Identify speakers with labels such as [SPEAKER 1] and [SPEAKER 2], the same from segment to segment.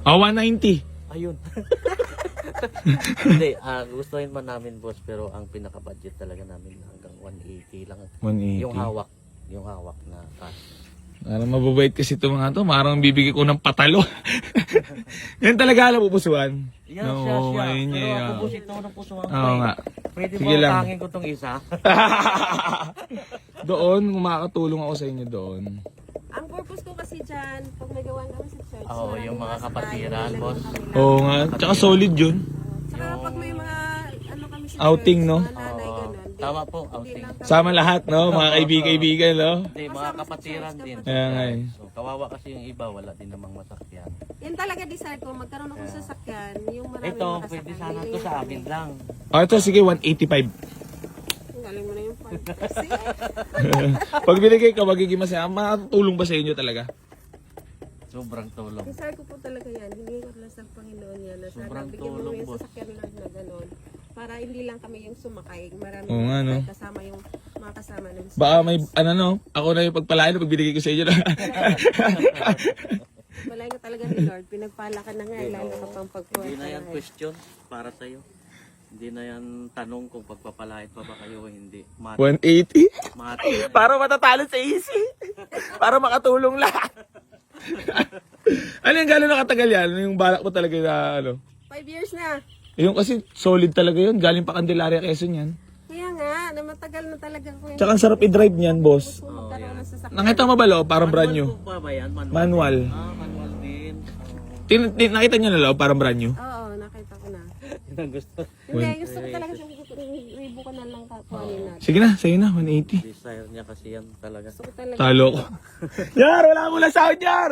[SPEAKER 1] Oh, 190.
[SPEAKER 2] Ayun. Hindi, gustuhin man namin boss, pero ang pinaka-budget talaga namin hanggang 180 lang.
[SPEAKER 1] 180.
[SPEAKER 2] Yung hawak na cash.
[SPEAKER 1] Parang mababait kasi ito mga to. Parang bibigay ko ng patalo. Yan talaga alam pupusuan.
[SPEAKER 2] Yan siya.
[SPEAKER 1] ngayon
[SPEAKER 2] Pero
[SPEAKER 1] niya.
[SPEAKER 2] ako boss, ito ng puso ang
[SPEAKER 1] Oo nga.
[SPEAKER 2] Pwede
[SPEAKER 1] Sige
[SPEAKER 2] ba
[SPEAKER 1] lang.
[SPEAKER 2] utangin ko tong isa?
[SPEAKER 1] Doon, makakatulong ako sa inyo doon.
[SPEAKER 3] Ang purpose ko kasi dyan, pag may gawan kami sa church,
[SPEAKER 2] Oo, yung mga kapatiran, boss.
[SPEAKER 1] Oo nga. Tsaka solid yun.
[SPEAKER 3] Saka pag may mga ano kami sa
[SPEAKER 1] Outing,
[SPEAKER 3] church,
[SPEAKER 1] no?
[SPEAKER 3] mga nanay,
[SPEAKER 2] Oo.
[SPEAKER 3] ganun. Di-
[SPEAKER 2] Tama po,
[SPEAKER 3] hindi
[SPEAKER 2] outing.
[SPEAKER 3] lang kami-
[SPEAKER 1] Sama lahat, no? Mga kaibigan, no?
[SPEAKER 2] Hindi, mga kapatiran din.
[SPEAKER 1] Kaya nga eh.
[SPEAKER 2] So, kawawa kasi yung iba, wala din namang masakyan.
[SPEAKER 3] Yan talaga desire ko, magkaroon ako sa sasakyan, yung marami
[SPEAKER 2] Ito, pwede sana to sa amin lang.
[SPEAKER 1] O, ito, sige, 185.
[SPEAKER 3] Galing mo na yung part. Kasi,
[SPEAKER 1] Pag binigay ka, magiging masaya. Makatulong ba sa inyo talaga?
[SPEAKER 2] Sobrang tulong.
[SPEAKER 3] desire ko po talaga yan. Hindi ko lang sa Panginoon yan. Na sana
[SPEAKER 2] Sobrang
[SPEAKER 3] bigyan mo
[SPEAKER 2] tulong,
[SPEAKER 3] yung
[SPEAKER 2] boss.
[SPEAKER 3] sasakyan lang na gano'n. Para hindi lang kami yung sumakay. Marami
[SPEAKER 1] Oo nga, no?
[SPEAKER 3] kasama yung mga kasama ng
[SPEAKER 1] Baka may, ano no, ako na yung pagpalain pag binigay ko sa inyo.
[SPEAKER 3] Malay ka talaga ni Lord. Pinagpala ka na nga. Lalo ka pang pagpuha.
[SPEAKER 2] Hindi na yan question para sa'yo. Hindi na yan tanong kung pagpapalait pa ba kayo o hindi.
[SPEAKER 1] 180?
[SPEAKER 2] Mati.
[SPEAKER 1] Para matatalo sa easy. Para makatulong lahat. Ano yung gano'n nakatagal yan? Ano yung balak mo talaga na ano?
[SPEAKER 3] 5 years na.
[SPEAKER 1] Yung kasi solid talaga yun. Galing pa Candelaria, Quezon yan.
[SPEAKER 3] Kaya nga, na matagal na talaga ko yung
[SPEAKER 1] Tsaka ang sarap i-drive niyan, boss.
[SPEAKER 3] magkaroon ng sasakyan.
[SPEAKER 1] Nakita mo ba, lo? Parang brand new.
[SPEAKER 2] Manual po ba yan?
[SPEAKER 1] Manual.
[SPEAKER 2] Manual din.
[SPEAKER 1] Nakita niyo na, lo? Parang brand new.
[SPEAKER 3] Oo, nakita ko na.
[SPEAKER 2] Yun ang gusto.
[SPEAKER 3] Hindi, gusto ko talaga siya ribo ko na lang kakuhanin natin.
[SPEAKER 1] Sige na, sa'yo na, 180.
[SPEAKER 2] Desire niya kasi yan talaga.
[SPEAKER 3] Gusto ko talaga.
[SPEAKER 1] Talo ko. Yar, wala mo lang sound, Yar!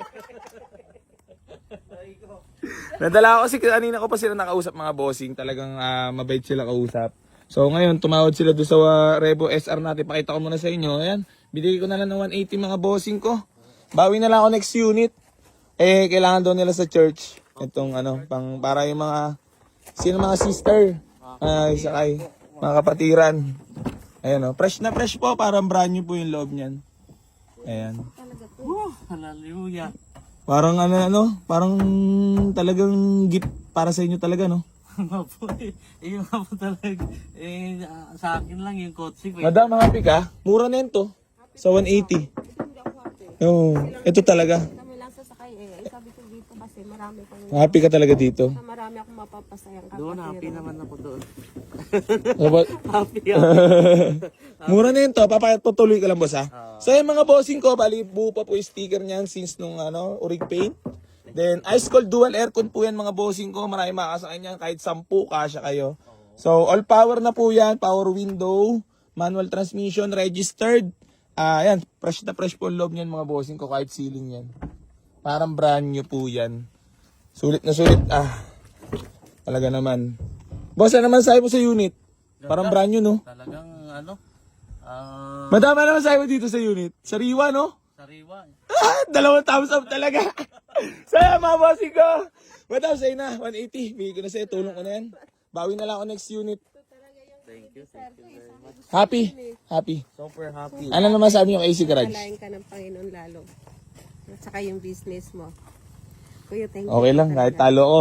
[SPEAKER 1] Nadala ako kasi kanina ko pa sila nakausap mga bossing. Talagang mabait sila kausap. So ngayon, tumawad sila doon sa Revo SR natin. Pakita ko muna sa inyo. Ayan, binigay ko na lang ng 180 mga bossing ko. Bawi na lang ako next unit. Eh, kailangan doon nila sa church. Itong ano, para yung mga, sino mga sister. Sakay, mga kapatiran. Ayan o, fresh na fresh po. Parang brand new po yung loob niyan. Ayan.
[SPEAKER 3] Talaga to.
[SPEAKER 2] Hallelujah.
[SPEAKER 1] Parang parang talagang gift para sa inyo talaga, no?
[SPEAKER 2] Yung nga po talaga. Sa akin lang yung kotse.
[SPEAKER 1] Madam, happy ka? Mura na yun to. Sa 180.
[SPEAKER 3] Hindi ako happy.
[SPEAKER 1] Oo, ito talaga.
[SPEAKER 3] Kami lang sasakay eh. Ay, sabi ko dito kasi marami pang
[SPEAKER 1] Happy ka talaga dito.
[SPEAKER 3] marami akong mapapasayang
[SPEAKER 2] Doon, happy naman ako doon. Happy
[SPEAKER 1] Mura na yun to. Papatuloy ka lang, boss, ha? So, yung mga bossing ko, bali, buo pa po yung sticker niyan since nung, Urig Paint. Then, ice cold dual aircon po yan, mga bossing ko. Marami makakasakay niyan. Kahit 10, kasya kayo. So, all power na po yan. Power window, manual transmission, registered. Yan, fresh na fresh po ang loob niyan, mga bossing ko. Kahit ceiling yan. Parang brand new po yan. Sulit na sulit. Talaga naman. Boss, ano naman sabi mo sa unit? Parang brand new, no?
[SPEAKER 2] Talagang
[SPEAKER 1] Madama naman sabi mo dito sa unit. Sariwa, no?
[SPEAKER 2] sariwa.
[SPEAKER 1] Dalawang thumbs up talaga. Saya, mga bossing ko. Madam, sa'yo na. 180. Bigay ko na sa'yo. Tulong ko na yan. Bawi na lang ako next unit.
[SPEAKER 2] Thank you very much.
[SPEAKER 1] Happy. Happy.
[SPEAKER 2] Super happy.
[SPEAKER 1] Ano naman sabi yung AC Garage?
[SPEAKER 3] Palayan ka ng Panginoon lalo. At saka yung business mo. Kuya, thank you.
[SPEAKER 1] Okay lang. Kahit talo ko.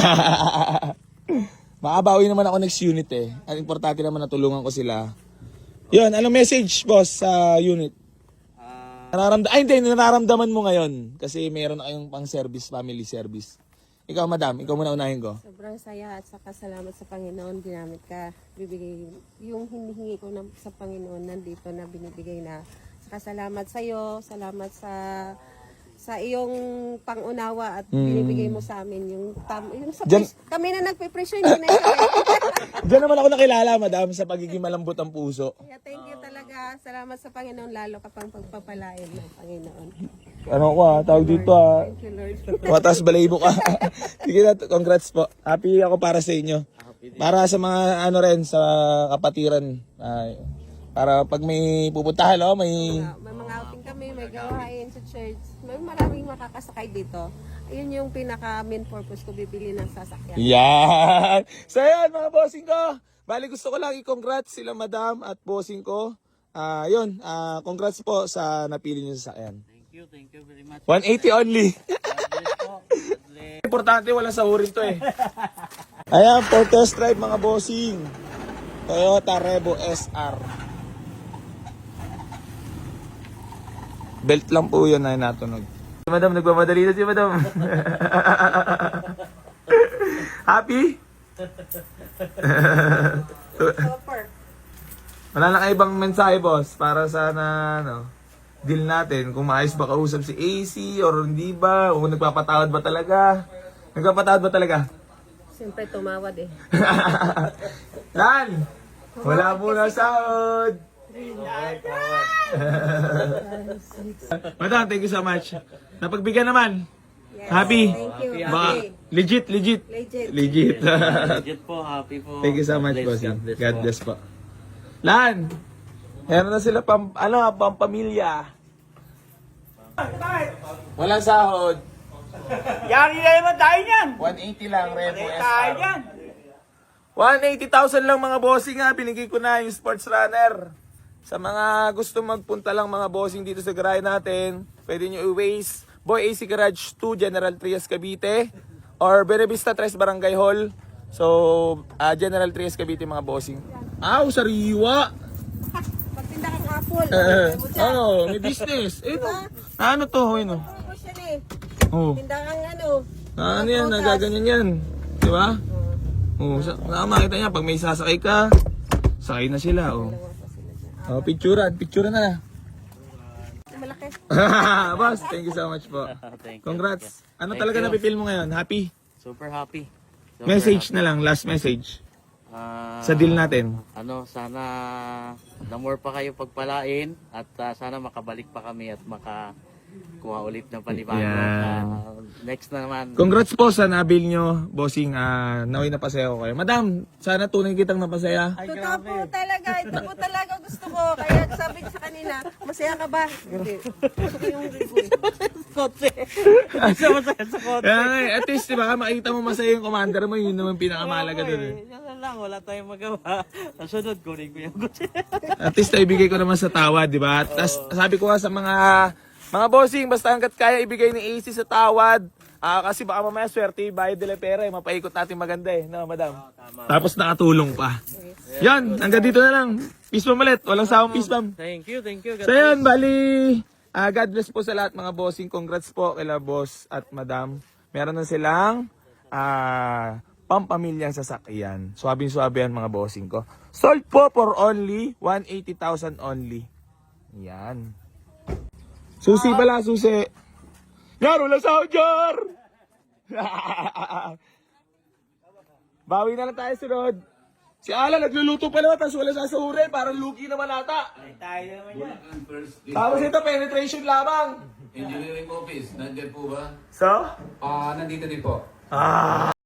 [SPEAKER 1] Makabawi naman ako next unit eh. Ang importante naman natulungan ko sila. Yun, anong message, boss, sa unit? Hindi, nararamdaman mo ngayon. Kasi meron na kayong pang service, family service. Ikaw, madam, ikaw muna unahin ko.
[SPEAKER 3] Sobrang saya at saka salamat sa Panginoon. Ginamit ka. Bibigay yung hinihingi ko sa Panginoon nandito na binibigay na. Saka salamat sa iyo. Salamat sa iyong pangunawa at binibigay mo sa amin yung kami na nagpe-pressure hindi na
[SPEAKER 1] Diyan naman ako nakilala, madam, sa pagiging malambot ang puso.
[SPEAKER 3] Kaya thank you talaga. Salamat sa Panginoon lalo ka pang pagpapalain ng Panginoon.
[SPEAKER 1] Ano ko tawag dito
[SPEAKER 3] Thank you Lord.
[SPEAKER 1] Matas balayibo ka. Sige na, congrats po. Happy ako para sa inyo. Para sa mga sa kapatiran. Para pag may pupuntahan, may...
[SPEAKER 3] May mga outing kami, may gawain sa church. May maraming makakasakay dito. Ayun yung pinaka main purpose ko, bibili ng sasakyan.
[SPEAKER 1] Yan! So yan, mga bossing ko. Bali, gusto ko lang i-congrats sila madam at bossing ko. Congrats po sa napili niyo sa sasakyan.
[SPEAKER 2] Thank you very much.
[SPEAKER 1] 180 only.
[SPEAKER 2] God bless po. God bless.
[SPEAKER 1] Importante, walang sahurin to eh. Ayan, for test drive mga bossing. Toyota Revo SR. Belt lang po yun ay natunog. Si Madam, nagmamadali na si Madam. Happy?
[SPEAKER 3] Super.
[SPEAKER 1] Wala na kayo ibang mensahe, boss, para sana, deal natin. Kung maayos ba kausap si AC or hindi ba? O nagpapatawad ba talaga? Nagpapatawad ba talaga?
[SPEAKER 3] Siyempre tumawad eh.
[SPEAKER 1] Lan! Wala muna sahod! Madam, thank you so much. Napagbigyan naman.
[SPEAKER 3] Yes,
[SPEAKER 1] Happy?
[SPEAKER 3] Thank you.
[SPEAKER 1] Baka,
[SPEAKER 3] Happy.
[SPEAKER 1] legit.
[SPEAKER 3] Legit.
[SPEAKER 1] Legit.
[SPEAKER 2] Legit po, happy po.
[SPEAKER 1] Thank you so much,
[SPEAKER 2] God
[SPEAKER 1] boss.
[SPEAKER 2] bless,
[SPEAKER 1] God bless po. Lan! Meron na sila pampamilya. Walang sahod.
[SPEAKER 4] Yari na naman tayo niyan.
[SPEAKER 1] 180 lang, Revo
[SPEAKER 4] Tayo
[SPEAKER 1] SR.
[SPEAKER 4] niyan.
[SPEAKER 1] 180,000 lang mga bossing ha. Binigay ko na yung sports runner. Sa mga gusto magpunta lang mga bossing dito sa garahe natin, pwede nyo i-waste Boy AC Garage 2, General Trias, Cavite. Or Benavista Tres Barangay Hall. So, General Trias, Cavite mga bossing. Aw, sariwa!
[SPEAKER 3] Magtinda kang apple.
[SPEAKER 1] May business. Ano to? Ano?
[SPEAKER 3] Promotion eh.
[SPEAKER 1] Oh.
[SPEAKER 3] Tinda kang
[SPEAKER 1] Ano yan? Nagaganyan yan. Di ba? Makita niya, pag may sasakay ka, sakay na sila. Picturean na.
[SPEAKER 3] Malaki.
[SPEAKER 1] Boss, thank you so much po.
[SPEAKER 2] Thank you.
[SPEAKER 1] Congrats. Ano
[SPEAKER 2] Thank
[SPEAKER 1] talaga
[SPEAKER 2] you.
[SPEAKER 1] napipil mo ngayon? Happy?
[SPEAKER 2] Super happy. Super
[SPEAKER 1] Message
[SPEAKER 2] happy.
[SPEAKER 1] na lang, last message.
[SPEAKER 2] Ah,
[SPEAKER 1] Sa deal natin.
[SPEAKER 2] Sana na more pa kayo pagpalain at sana makabalik pa kami at makakuha ulit ng panibago.
[SPEAKER 1] Yan.
[SPEAKER 2] Next na naman.
[SPEAKER 1] Congrats po sa nabil nyo, bossing. Naway napasaya ko kayo. Madam, sana tunay kitang napasaya.
[SPEAKER 3] Totoo po talaga. Ito po talaga gusto ko. Kaya sabi ko sa kanina, masaya ka ba? Hindi. Gusto ko yung review.
[SPEAKER 2] Kotse. Isa masaya sa kotse.
[SPEAKER 1] At least, di ba, makita mo masaya yung commander mo, yun naman pinakamalaga dun.
[SPEAKER 2] Yan na lang, wala tayong magawa. Nasunod, kunin ko yung kotse.
[SPEAKER 1] At least, ibigay ko naman sa tawad, di ba? Tapos, sabi ko nga sa mga bossing, basta hanggat kaya ibigay ni AC sa tawad. Kasi baka mamaya swerte, bayad nila pera, mapaikot natin maganda no, madam? Tapos nakatulong pa. Yan, hanggang dito na lang. Peace bomb ulit, walang sawang peace bomb.
[SPEAKER 2] Thank you.
[SPEAKER 1] So yun, bali, God bless po sa lahat mga bossing. Congrats po kila boss at madam. Meron na silang pampamilyang sasakyan. Suwabing-suwabe yan mga bossing ko. Sold po for only 180,000 only. Yan. Susi pala, susi. Yar, wala sahod, Jar! Bawi na lang tayo sunod. Si Ala, nagluluto pa naman, tapos wala sasahurin. Parang lugi naman ata.
[SPEAKER 4] Tayo naman yan.
[SPEAKER 1] Tapos ito, penetration lamang.
[SPEAKER 5] Engineering office, nandiyan po ba?
[SPEAKER 1] So?
[SPEAKER 5] Nandito din po.